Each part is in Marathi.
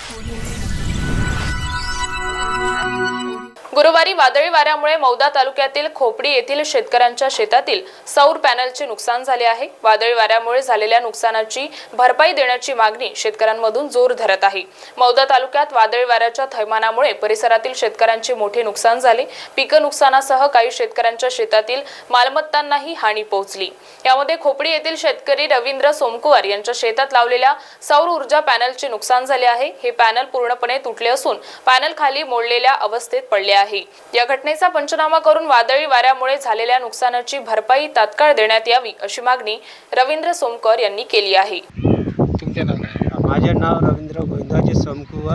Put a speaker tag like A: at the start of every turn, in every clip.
A: गुरुवारी वादळी वाऱ्यामुळे मौदा तालुक्यातील खोपडी येथील शेतकऱ्यांच्या शेतातील सौर पॅनलचे नुकसान झाले आहे। वादळी वाऱ्यामुळे झालेल्या नुकसानाची भरपाई देण्याची मागणी शेतकऱ्यांमधून जोर धरत आहे। मौदा तालुक्यात वादळी वाऱ्याच्या थैमानामुळे परिसरातील शेतकऱ्यांचे मोठे नुकसान झाले। पीक नुकसानासह काही शेतकऱ्यांच्या शेतातील मालमत्तांनाही हानी पोहोचली। यामध्ये खोपडी येथील शेतकरी रवींद्र सोमकुवर यांच्या शेतात लावलेल्या सौर ऊर्जा पॅनलचे नुकसान झाले आहे। हे पॅनल पूर्णपणे तुटले असून पॅनल खाली मोडलेल्या अवस्थेत पडले आहे। या घटनेचा पंचनामा करून वादळी वाऱ्यामुळे झालेल्या नुकसानाची भरपाई तात्काळ देण्यात यावी अशी मागणी रवींद्र सोमकर यांनी केली आहे।
B: तुमचे नाव काय?
C: माझे नाव रवींद्र गोविंदाजी सोमकुवर।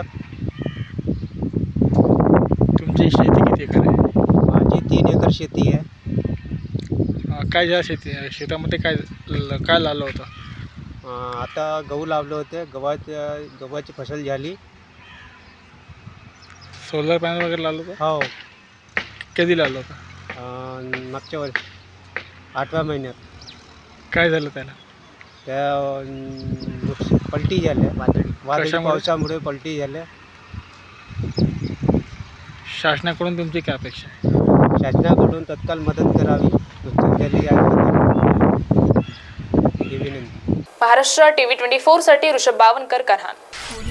B: तुमची शेती किती एकर आहे?
C: माझी 3 एकर शेती आहे।
B: काय झालं शेतामध्ये काय लावलं होतं?
C: आता गहू लावले होते। गव्हाची फसल झाली।
B: सोलर पॅनल वगैरे लावलं होतं?
C: हो,
B: कधी लावलं होतं?
C: मागच्या वर्षी 8व्या महिन्यात।
B: काय झालं त्याला?
C: त्या पलटी झाल्या, वादळी
B: कशामुळे?
C: पावसामुळे पलटी झाल्या।
B: शासनाकडून तुमची काय अपेक्षा आहे?
C: शासनाकडून तत्काळ मदत करावी, नुकसान झालेली आहे ही विनंती।
A: महाराष्ट्र TV 24 साठी ऋषभ बावनकर, करहान।